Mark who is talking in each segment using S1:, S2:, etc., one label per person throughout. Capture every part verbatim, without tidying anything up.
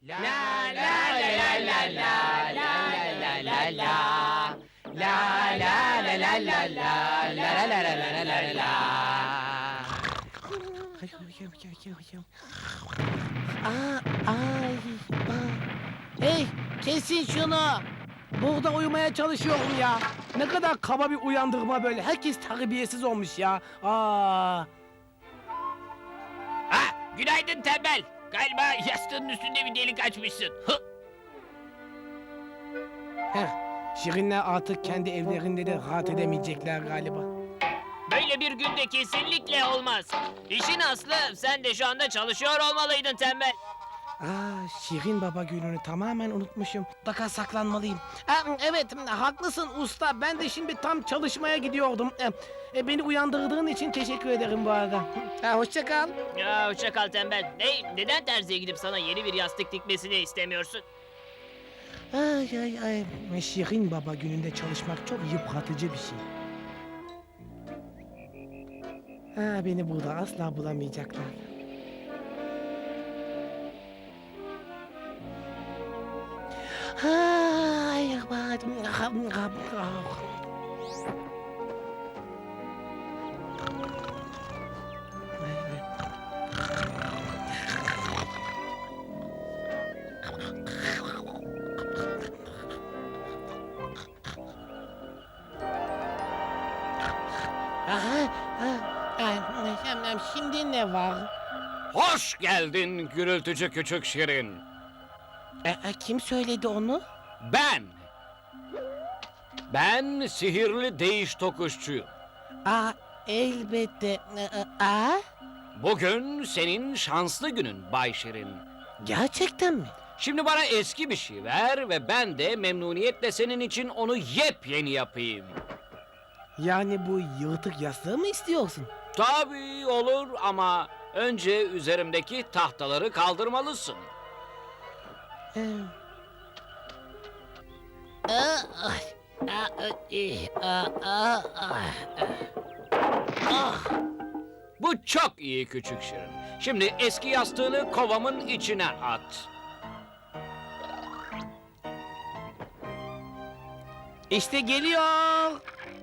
S1: La la la la la la la la la la. La la la la la la la la la la la la la.
S2: Aa, ay, aa. Hey, kesin şunu. Burada uyumaya çalışıyorum ya. Ne kadar kaba bir uyandırma böyle. Herkes terbiyesiz olmuş ya. Aa.
S1: Ha, günaydın tembel. Galiba yastığının üstünde bir delik açmışsın. Hı.
S2: Heh, Şirinler artık kendi evlerinde de rahat edemeyecekler galiba.
S1: Böyle bir günde kesinlikle olmaz. İşin aslı sen de şu anda çalışıyor olmalıydın tembel.
S2: Aa, Şirin Baba gününü tamamen unutmuşum. Mutlaka saklanmalıyım. Aa, evet, haklısın usta. Ben de şimdi tam çalışmaya gidiyordum. Ee, e, beni uyandırdığın için teşekkür ederim bu arada. Ha, hoşça kal.
S1: Ya hoşça kal tembel. Ne, neden terziye gidip sana yeni bir yastık dikmesini istemiyorsun?
S2: Ay ay ay. Şirin Baba gününde çalışmak çok yıpratıcı bir şey. Ha, beni burada asla bulamayacaklar. Ay, Aha, aha, şimdi ne var?
S3: Hoş geldin gürültücü küçük Şirin.
S2: E, e, kim söyledi onu?
S3: Ben. Ben sihirli değiş tokuşçuyum.
S2: Aa, elbette. E, e, aa,
S3: Bugün senin şanslı günün Bay Şirin.
S2: gerçekten mi?
S3: Şimdi bana eski bir şey ver ve ben de memnuniyetle senin için onu yepyeni yapayım.
S2: Yani bu yırtık yastığı mı istiyorsun?
S3: Tabii olur ama önce üzerimdeki tahtaları kaldırmalısın.
S2: Ee, Aa, ay, aa, ey, aa, aa, ah, ah.
S3: Bu çok iyi küçük Şirin. Şimdi eski yastığını kovamın içine at.
S2: İşte geliyor.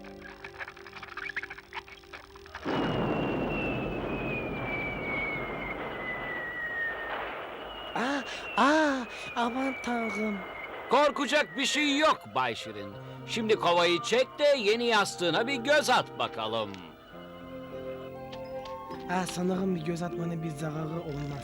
S2: Aa, aa, aman tanrım.
S3: Korkacak bir şey yok Bay Şirin. Şimdi kovayı çek de yeni yastığına bir göz at bakalım.
S2: Aa, sanırım bir göz atmanın bir zararı olmaz.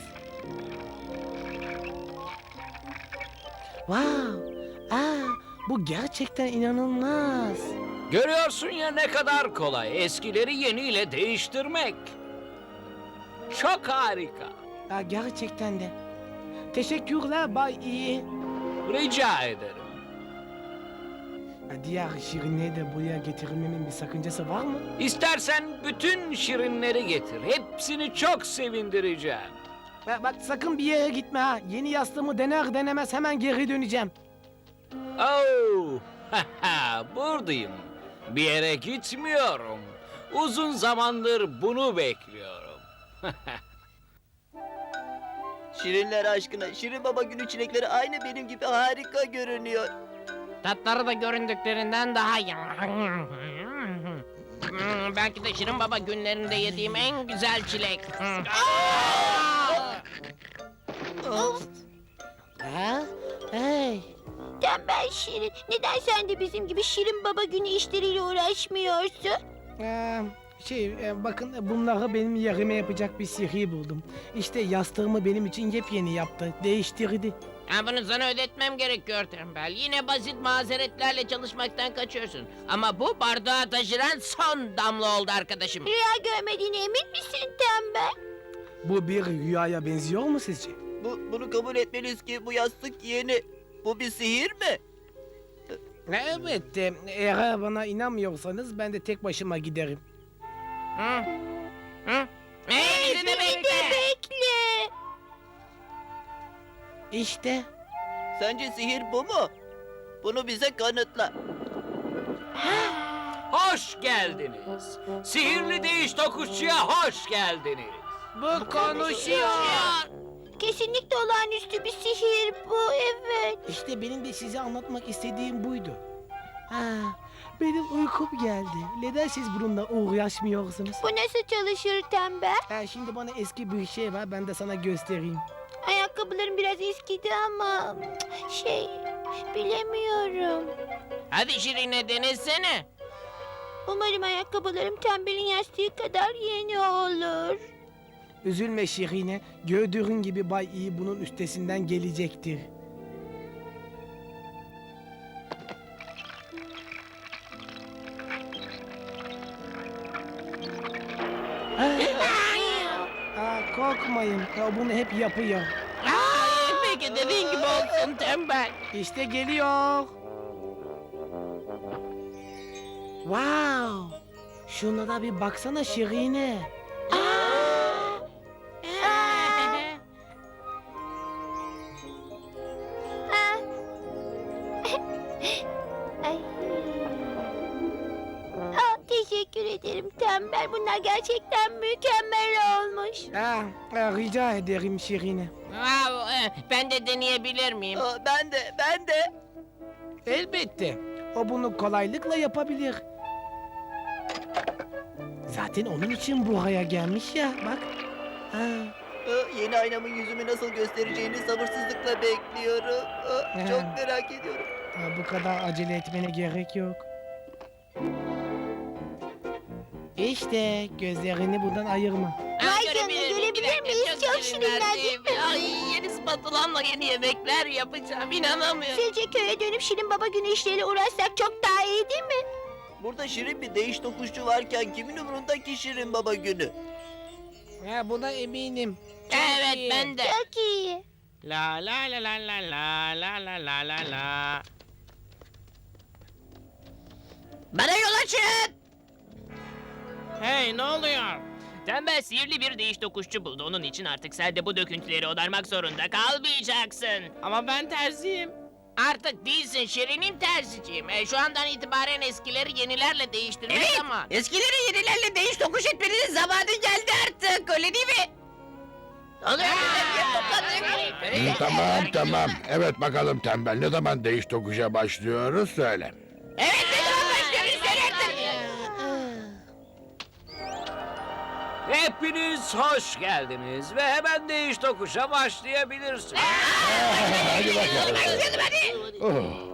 S2: Wow, aa, bu gerçekten inanılmaz.
S3: Görüyorsun ya ne kadar kolay eskileri yeniyle değiştirmek. Çok harika.
S2: Aa, gerçekten de. Teşekkürler Bay İyi.
S3: Rica ederim.
S2: Aa, diğer şirinleri de buraya getirmemin bir sakıncası var mı?
S3: İstersen bütün şirinleri getir. Hepsini çok sevindireceğim.
S2: Bak, bak sakın bir yere gitme ha. Yeni yastığımı dener denemez hemen geri döneceğim.
S3: Oh, buradayım. Bir yere gitmiyorum. Uzun zamandır bunu bekliyorum.
S4: Şirinler aşkına, Şirin Baba günü çilekleri aynı benim gibi harika görünüyor.
S5: Tatları da göründüklerinden daha iyi. Hmm, belki de Şirin Baba günlerinde yediğim en güzel çilek. Hmm.
S2: Ha? Hey.
S6: Tembel Şirin, neden sen de bizim gibi Şirin Baba günü işleriyle uğraşmıyorsun?
S2: Ee, şey e, bakın bunları benim yerime yapacak bir sihir buldum. İşte yastığımı benim için yepyeni yaptı. Değiştirdi.
S5: Ha, bunu sana ödetmem gerekiyor tembel. Yine basit mazeretlerle çalışmaktan kaçıyorsun. Ama bu bardağa taşıran son damla oldu arkadaşım.
S6: Rüya görmediğine emin misin Tembel?
S2: Bu bir rüyaya benziyor mu sizce?
S4: Bu, bunu kabul etmeliyiz ki bu yastık yeni. Bu bir sihir mi?
S2: Evet, e, eğer bana inanmıyorsanız ben de tek başıma giderim.
S5: Hı? Hı? Hey, bizi de
S6: Bizi
S5: bekle.
S6: de bekle.
S2: İşte.
S4: Sence sihir bu mu? Bunu bize kanıtla.
S3: Hoş geldiniz. Sihirli değiş tokuşçuya hoş geldiniz.
S2: Bu konuşuyor.
S6: Kesinlikle olağanüstü bir sihir bu, evet.
S2: İşte benim de size anlatmak istediğim buydu. Ha, benim uykum geldi. Neden siz bununla uğraşmıyorsunuz?
S6: Bu nasıl çalışır tembel?
S2: Ha, şimdi bana eski bir şey var, ben de sana göstereyim.
S6: Ayakkabılarım biraz eskidi ama cık, şey bilemiyorum.
S5: Hadi Şirine denesene.
S6: Umarım ayakkabılarım tembelin yastığı kadar yeni olur.
S2: Üzülme Şirine, gördüğün gibi Bay İyi bunun üstesinden gelecektir. Aa, korkmayın, o bunu hep yapıyor.
S5: Aa, peki dediğin gibi olsun tembel.
S2: İşte geliyor. Wow! Şuna da bir baksana Şirine.
S6: Ah. Ay. Ah, teşekkür ederim tembel. Bunlar gerçekten mükemmel olmuş.
S2: Ah, ah, rica ederim Şirine.
S5: Aa, e, ben de deneyebilir miyim?
S4: Aa, ben de, ben de.
S2: Elbette. O bunu kolaylıkla yapabilir. Zaten onun için buraya gelmiş ya, bak. Ha,
S4: Aa, yeni aynamın yüzümü nasıl göstereceğini sabırsızlıkla bekliyorum. Aa, çok merak ediyorum.
S2: ha, bu kadar acele etmene gerek yok. İşte gözlerini bundan ayırma.
S6: Vay canına, görebilir miyiz? Çok şirinler değil mi?
S5: Ay, yeni spatulamla yeni yemekler yapacağım. İnanamıyorum.
S6: Sizce köye dönüp Şirin Baba günü işleriyle uğraşsak çok daha iyi değil mi?
S4: Burada şirin bir değiş tokuşçu varken kimin umurunda ki Şirin Baba günü?
S2: Ha, buna eminim. Çok
S5: Evet
S2: iyi.
S5: ben de.
S6: Çok iyi.
S5: La la la la la la la la la la la. Bana yol açın. Hey ne oluyor?
S7: Tembel sihirli bir değiş tokuşçu buldu. Onun için artık sen de bu döküntüleri odarmak zorunda kalmayacaksın.
S5: Ama ben terziyim. Artık değilsin Şirin'im terziciyim. E, şu andan itibaren eskileri yenilerle değiştirmek
S7: Evet.
S5: zaman.
S7: Eskileri yenilerle değiş tokuş etmenin zamanı geldi artık. Öyle değil mi?
S5: Oluyor
S8: İyi, tamam tamam. Evet bakalım tembel. Ne zaman değiş tokuşa başlıyoruz söyle.
S7: Evet ne zaman başlıyoruz sen artık.
S3: Hepiniz hoş geldiniz ve hemen değiş tokuşa başlayabilirsiniz.
S8: Hadi bakalım. Oh.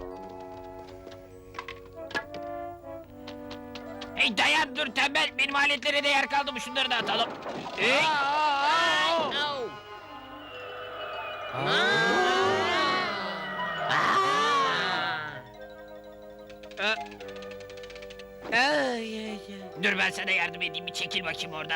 S7: Hey dayan dur tembel. Benim aletlere de yer kaldı mı? Şunları da atalım. Hey.
S2: Ay, ay, ay.
S7: Dur ben sana yardım edeyim. Bir çekil bakayım oradan.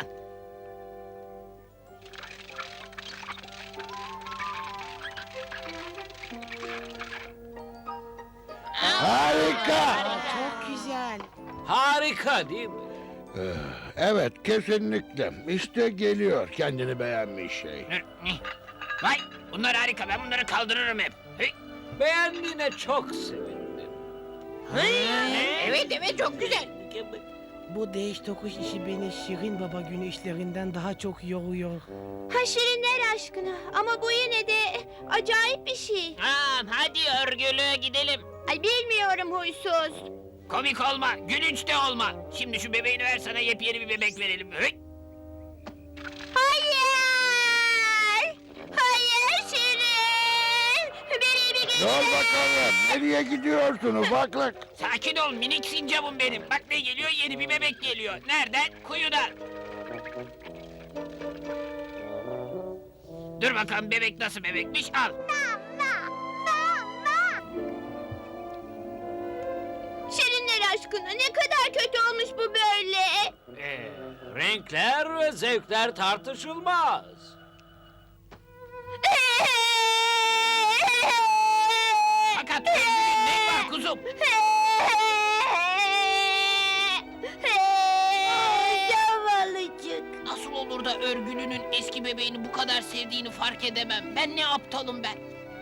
S8: Harika.
S2: Çok güzel.
S3: Harika değil mi?
S8: Eh, Evet kesinlikle. İşte geliyor kendini beğenmiş şey.
S7: Dur. Vay bunlar harika. Ben bunları kaldırırım hep. Hey.
S3: Beğendiğine çok sevindim.
S5: Evet evet çok güzel.
S2: Bu değiş tokuş işi beni Şirin Baba günü işlerinden daha çok yoruyor.
S6: Ha Şirinler aşkına. Ama bu yine de acayip bir şey.
S7: Tamam hadi örgülü gidelim.
S6: Ay bilmiyorum huysuz.
S7: Komik olma, gülünç de olma. Şimdi şu bebeğini ver sana yepyeni bir bebek verelim. Hey.
S6: Hayır! Hayır Şirin! Beni bir gün...
S8: Dur bakalım. Nereye gidiyorsun ufaklık?
S7: Sakin ol minik sincapım benim. Bak ne geliyor yeni bir bebek geliyor. Nereden? Kuyudan. Dur bakalım bebek nasıl bebekmiş al.
S6: Şirinler aşkına ne kadar kötü olmuş bu böyle.
S3: Ee, renkler ve zevkler tartışılmaz.
S7: Fakat örgünün ne var kuzum?
S6: Zavallıcık.
S7: Nasıl olur da örgülünün eski bebeğini bu kadar sevdiğini fark edemem. Ben ne aptalım ben.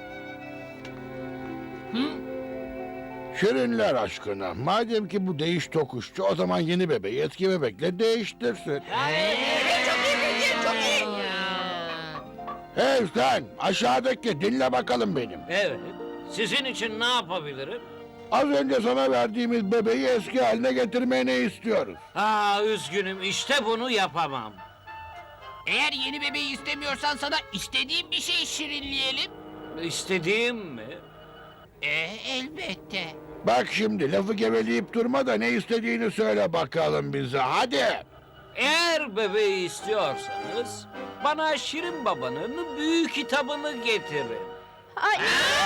S7: Hı?
S8: Şirinler aşkına. Madem ki bu değiş tokuşçu o zaman yeni bebeği eski bebekle değiştirsin.
S7: Evet çok iyi fikir çok iyi.
S8: Hey sen aşağıdaki dinle bakalım benim.
S3: Evet. Sizin için ne yapabilirim?
S8: Az önce sana verdiğimiz bebeği eski haline getirmeni istiyoruz.
S3: Ha üzgünüm işte bunu yapamam.
S5: Eğer yeni bebeği istemiyorsan sana istediğin bir şey şirinleyelim.
S3: İstediğim mi?
S5: Ee, elbette.
S8: Bak şimdi lafı geveleyip durma da ne istediğini söyle bakalım bize hadi.
S3: Eğer bebeği istiyorsanız bana Şirin Baba'nın büyük kitabını getirin.
S6: Hayır.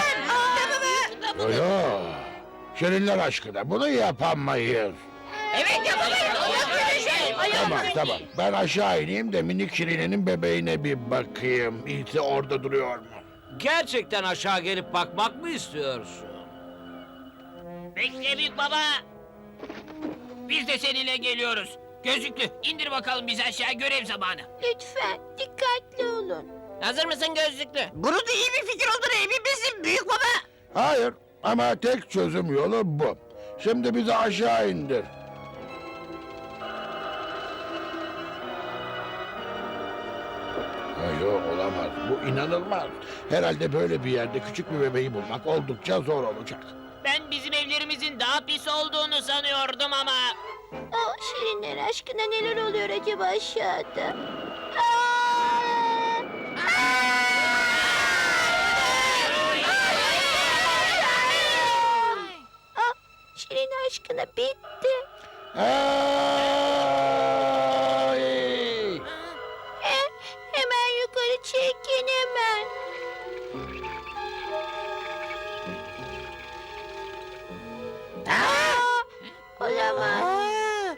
S8: Öyle. Şirinler aşkına bunu yapamayız.
S5: Evet yapamayız.
S8: Tamam tamam ben aşağı ineyim de minik Şirine'nin bebeğine bir bakayım. İyisi orada duruyor mu?
S3: Gerçekten aşağı gelip bakmak mı istiyorsun?
S5: Bekle büyük baba. Biz de seninle geliyoruz. Gözlüklü indir bakalım bizi aşağı, görev zamanı.
S6: Lütfen dikkatli olun.
S5: Hazır mısın gözlüklü? Bunun da iyi bir fikir olduğuna emin misin büyük baba?
S8: Hayır ama tek çözüm yolu bu. Şimdi bizi aşağı indir. Ha, yok olamaz. Bu inanılmaz. Herhalde böyle bir yerde küçük bir bebeği bulmak oldukça zor olacak.
S7: Ben bizim evlerimizin daha pis olduğunu sanıyordum ama...
S6: Aa, şirinler aşkına neler oluyor acaba aşağıda? Aa! Aa, Şirin aşkına bitti.
S8: Ay!
S6: Eh, hemen yukarı çekin hemen. Aa, olamaz.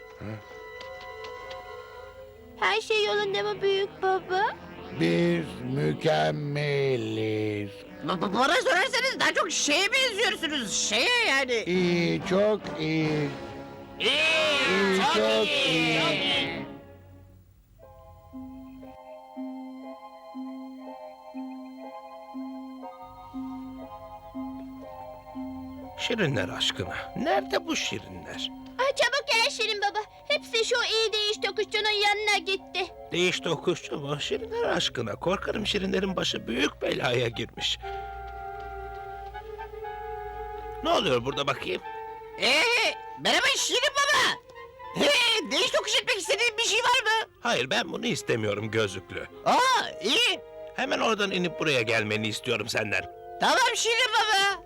S6: Her şey yolunda mı büyük baba?
S8: Biz mükemmeliz.
S5: Bana sorarsanız daha çok şeye benziyorsunuz. Şeye yani.
S8: İyi, çok iyi. İyi, çok iyi.
S2: Şirinler aşkına. Nerede bu şirinler?
S6: Aa, çabuk gel Şirin baba. Hepsi şu iyi değiş tokuşçunun yanına gitti.
S2: Değiş tokuşçu mu? Şirinler aşkına. Korkarım şirinlerin başı büyük belaya girmiş. Ne oluyor burada bakayım?
S5: Ee, merhaba Şirin baba. Hey, değiş tokuş etmek istediğin bir şey var mı?
S2: Hayır ben bunu istemiyorum gözlüklü.
S5: Aa, iyi.
S2: Hemen oradan inip buraya gelmeni istiyorum senden.
S5: Tamam Şirin baba.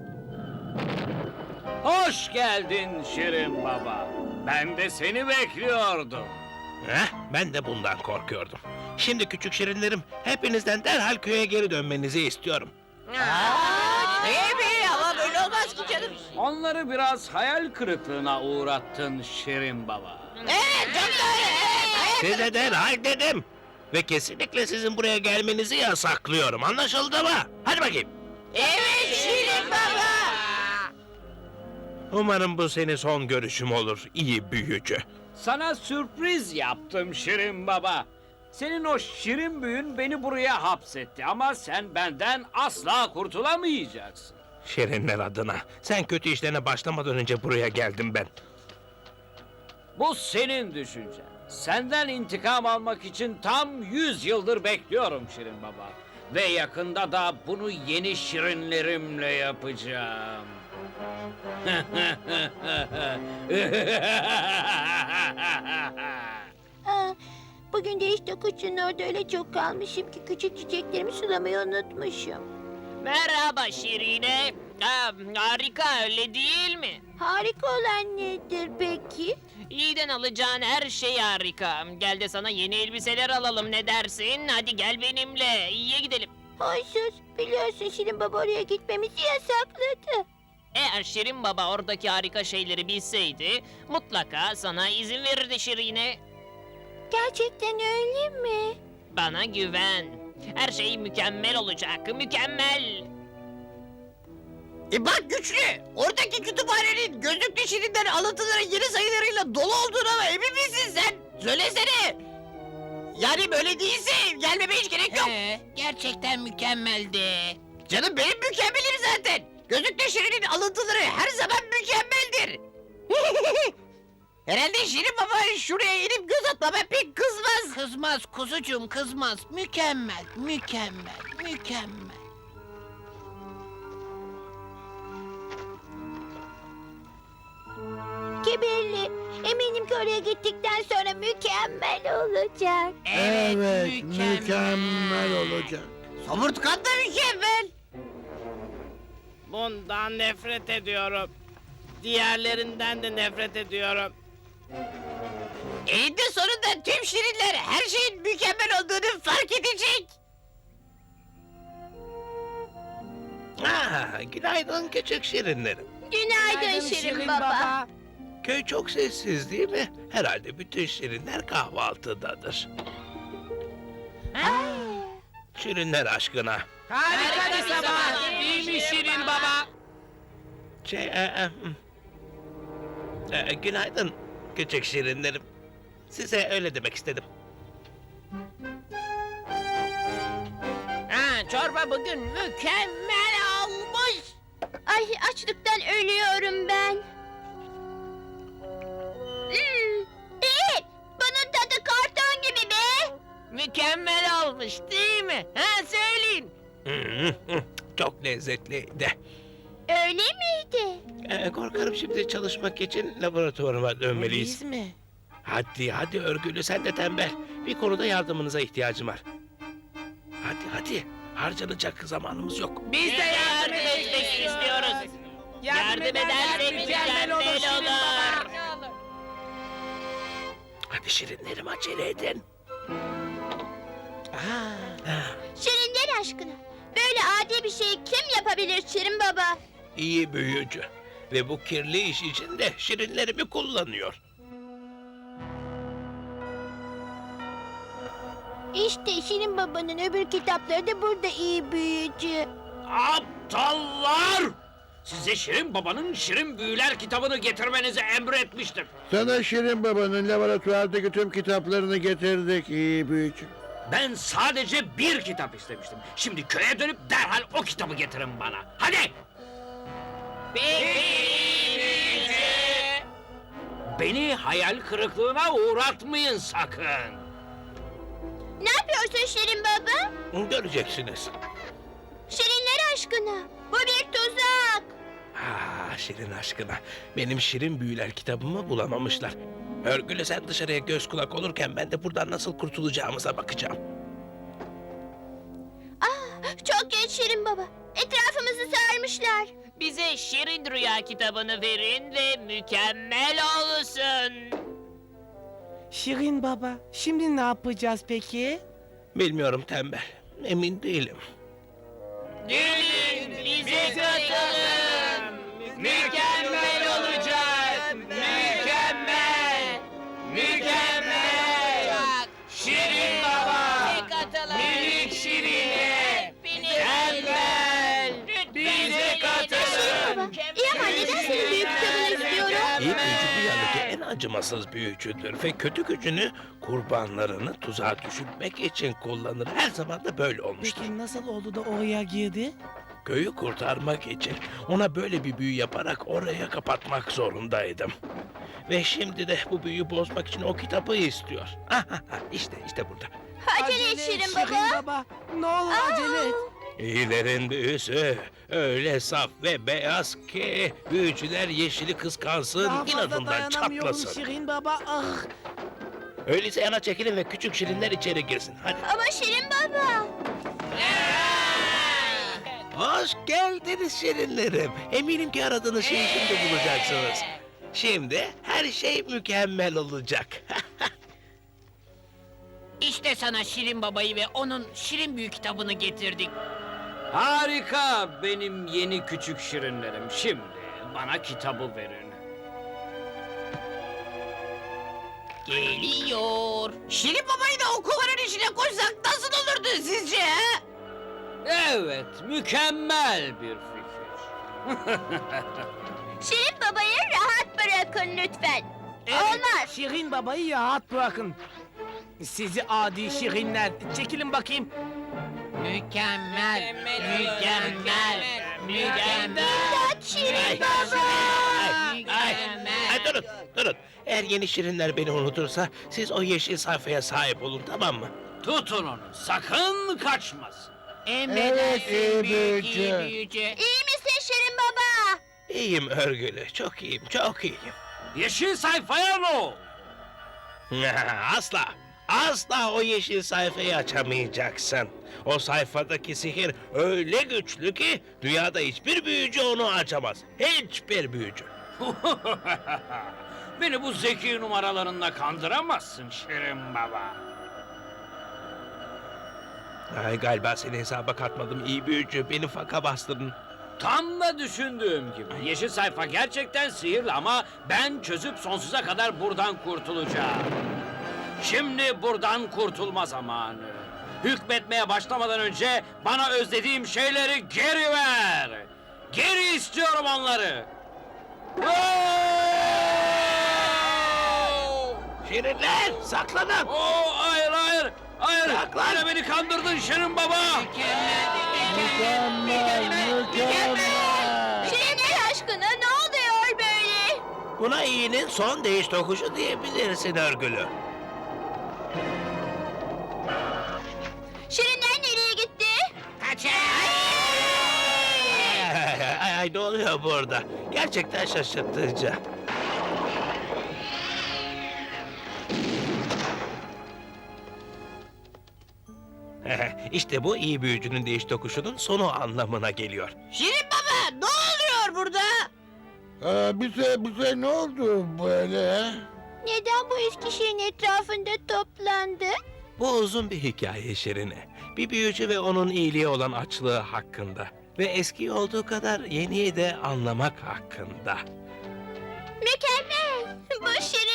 S3: Hoş geldin Şirin Baba. Ben de seni bekliyordum.
S2: Heh, ben de bundan korkuyordum. Şimdi küçük şirinlerim hepinizden derhal köye geri dönmenizi istiyorum.
S5: Aa, iyi mi? Ama böyle olmaz ki canım.
S3: Onları biraz hayal kırıklığına uğrattın Şirin Baba.
S5: Evet, çok doğru. Evet,
S2: Size derhal dedim. Ve kesinlikle sizin buraya gelmenizi yasaklıyorum. Anlaşıldı mı? Hadi bakayım.
S5: evet Şirin baba.
S2: Umarım bu senin son görüşüm olur, iyi büyücü.
S3: Sana sürpriz yaptım Şirin Baba. Senin o şirin büyün beni buraya hapsetti ama sen benden asla kurtulamayacaksın.
S2: Şirinler adına. Sen kötü işlerine başlamadan önce buraya geldim ben.
S3: Bu senin düşüncen. Senden intikam almak için tam yüz yıldır bekliyorum Şirin Baba. Ve yakında da bunu yeni şirinlerimle yapacağım.
S6: Aa, bugün değiş tokuşçunun orada öyle çok kalmışım ki küçük çiçeklerimi sulamayı unutmuşum.
S7: Merhaba Şirine. Aa, harika öyle değil mi?
S6: Harika olan nedir peki?
S7: İyiden alacağın her şey harika. Gel de sana yeni elbiseler alalım, ne dersin? Hadi gel benimle, iyiye gidelim.
S6: Huysuz, biliyorsun Şirin baba oraya gitmemizi yasakladı.
S7: Eğer Şirin Baba oradaki harika şeyleri bilseydi... ...mutlaka sana izin verirdi Şirine.
S6: Gerçekten öyle mi?
S7: Bana güven. Her şey mükemmel olacak, mükemmel.
S5: E bak güçlü. Oradaki kütüphanenin gözlüklü Şirinler alıntıların yeni sayılarıyla dolu olduğuna emin misin sen? Söylesene. Yani böyle değilse gelmeme hiç gerek yok.
S9: He, gerçekten mükemmeldi.
S5: Canım benim mükemmelim zaten. Gözlüklü Şirin'in alıntıları her zaman mükemmeldir. Herhalde Şirin Baba şuraya inip göz atmama pek kızmaz.
S9: Kızmaz kuzucuğum kızmaz. Mükemmel, mükemmel, mükemmel.
S6: Kibirli. Eminim ki oraya gittikten sonra mükemmel olacak.
S8: Evet, mükemmel olacak.
S5: Somurtkan da mükemmel.
S1: Bundan nefret ediyorum. Diğerlerinden de nefret ediyorum.
S5: Eninde sonunda tüm şirinler her şeyin mükemmel olduğunu fark edecek.
S10: Ah, günaydın küçük şirinlerim.
S6: Günaydın, Şirin, Baba.
S10: Köy çok sessiz değil mi? Herhalde bütün şirinler kahvaltıdadır. Şirinler aşkına.
S1: Harika bir sabah. Değil mi Şirin Baba?
S10: Şey, e, e, hmm. E, günaydın küçük şirinlerim. Size öyle demek istedim.
S9: Ha, çorba bugün mükemmel olmuş.
S6: Ay açlıktan ölüyorum ben. Hmm, iyi. Bunun tadı karton gibi be.
S9: Mükemmel olmuş değil mi? Ha söyleyin.
S10: Hmm, hmm, Çok lezzetliydi.
S6: Öyle miydi?
S10: E, korkarım şimdi çalışmak için laboratuvarıma dönmeliyiz.
S9: Biz mi?
S10: Hadi hadi örgülü sen de tembel. Bir konuda yardımınıza ihtiyacım var. Hadi hadi. Harcanacak zamanımız yok.
S7: Biz de yardım etmek istiyoruz. Yardım edersek mükemmel olur.
S10: Hadi şirinlerim acele edin.
S6: Şirinler aşkına. Böyle adi bir şeyi kim yapabilir Şirin Baba?
S10: İyi büyücü. Ve bu kirli iş için de şirinlerimi kullanıyor.
S6: İşte Şirin Baba'nın öbür kitapları da burada iyi büyücü.
S3: Aptallar! Size Şirin Baba'nın Şirin Büyüler kitabını getirmenizi emretmiştim.
S8: Sana Şirin Baba'nın laboratuvardaki tüm kitaplarını getirdik iyi büyücü.
S3: Ben sadece bir kitap istemiştim. Şimdi köye dönüp derhal o kitabı getirin bana. Hadi! Beni hayal kırıklığına uğratmayın sakın.
S6: Ne yapıyorsun Şirin Baba?
S10: Göreceksiniz.
S6: Şirinler aşkına. Bu bir tuzak.
S10: Ah şirin aşkına. Benim şirin büyüler kitabımı bulamamışlar. Örgülü sen dışarıya göz kulak olurken ben de buradan nasıl kurtulacağımıza bakacağım.
S6: Ah, çok geç Şirin Baba. Etrafımızı sarmışlar.
S7: Bize Şirin Rüya kitabını verin ve mükemmel olsun.
S2: Şirin Baba, şimdi ne yapacağız peki?
S10: Bilmiyorum tembel. Emin değilim.
S7: Gelin bize katılın. Mükemmel olacak. Mükemmel. Mükemmel. Şirin Baba. Minik Şirin'e. Mükemmel. Bize katılın.
S6: İyi ama neden senin büyük kitabını istiyorum?
S10: İyi büyücü dünyadaki en acımasız büyücüdür ve kötü gücünü kurbanlarını tuzağa düşürmek için kullanır. Her zaman da böyle olmuştur.
S2: Peki nasıl oldu da oraya girdi?
S10: Köyü kurtarmak için ona böyle bir büyü yaparak oraya kapatmak zorundaydım. Ve şimdi de bu büyüyü bozmak için o kitabı istiyor. işte işte burada.
S6: Acele et Şirin Baba.
S2: Baba, ne olur acele et.
S10: İyilerin büyüsü öyle saf ve beyaz ki büyücüler yeşili kıskansın,
S2: Daha fazla
S10: inadından
S2: dayanamıyorum
S10: çatlasın.
S2: Şirin Baba. Ah.
S10: Öyleyse yana çekilin ve küçük şirinler içeri girsin. Hadi.
S6: Ama Şirin Baba.
S10: Hoş geldiniz şirinlerim. Eminim ki aradığınız şeyi şimdi bulacaksınız. Şimdi her şey mükemmel olacak.
S9: İşte sana Şirin Baba'yı ve onun Şirin Büyük kitabını getirdik.
S3: Harika benim yeni küçük şirinlerim. Şimdi bana kitabı verin.
S9: Geliyor.
S5: Şirin Baba'yı da okulların içine koysak nasıl olurdu sizce ha?
S3: Evet, mükemmel bir fikir.
S6: Şirin Baba'yı rahat bırakın lütfen. Olmaz.
S2: Şirin Baba'yı rahat bırakın. Sizi adi şirinler. Çekilin bakayım.
S9: Mükemmel, mükemmel, mükemmel.
S6: İmdat Şirin Baba.
S10: Ay, ay, ay, durun, durun. Eğer yeni şirinler beni unutursa siz o yeşil sayfaya sahip olun, tamam mı?
S3: Tutun onu, sakın kaçmasın.
S9: Emredersin
S8: iyi
S9: büyük iyi
S8: büyücü.
S9: büyücü.
S6: İyi misin Şirin Baba?
S10: İyiyim örgülü, çok iyiyim, çok iyiyim.
S3: Yeşil sayfaya ne oldu?
S10: Asla, asla o yeşil sayfayı açamayacaksın. O sayfadaki sihir öyle güçlü ki dünyada hiçbir büyücü onu açamaz. Hiçbir büyücü.
S3: Beni bu zeki numaralarınla kandıramazsın Şirin Baba.
S10: Ay, galiba seni hesaba katmadım iyi büyücü. Beni faka bastırdın.
S3: Tam da düşündüğüm gibi. Yeşil sayfa gerçekten sihirli ama ben çözüp sonsuza kadar buradan kurtulacağım. Şimdi buradan kurtulma zamanı. Hükmetmeye başlamadan önce bana özlediğim şeyleri geri ver. Geri istiyorum onları.
S10: Şirinler, saklanın.
S3: Oo, hayır hayır. Hayır.
S10: Saklan.
S3: Yine beni kandırdın Şirin Baba.
S8: Mükemmel, mükemmel.
S6: Şirinler aşkına ne oluyor böyle?
S10: Buna iyinin son değiş tokuşu diyebilirsin örgülü.
S6: Şirinler nereye gitti?
S9: Kaçın.
S10: Ay, ay, ay, ay, ne oluyor burada? Gerçekten şaşırtıcı. İşte bu iyi büyücünün değiş tokuşunun sonu anlamına geliyor.
S5: Şirin Baba ne oluyor burada?
S8: Ee, bize, bize ne oldu böyle?
S6: Neden bu eski şirin etrafında toplandı?
S10: Bu uzun bir hikaye Şirine. Bir büyücü ve onun iyiliği olan açlığı hakkında. Ve eski olduğu kadar yeniyi de anlamak hakkında.
S6: Mükemmel. Bu şirin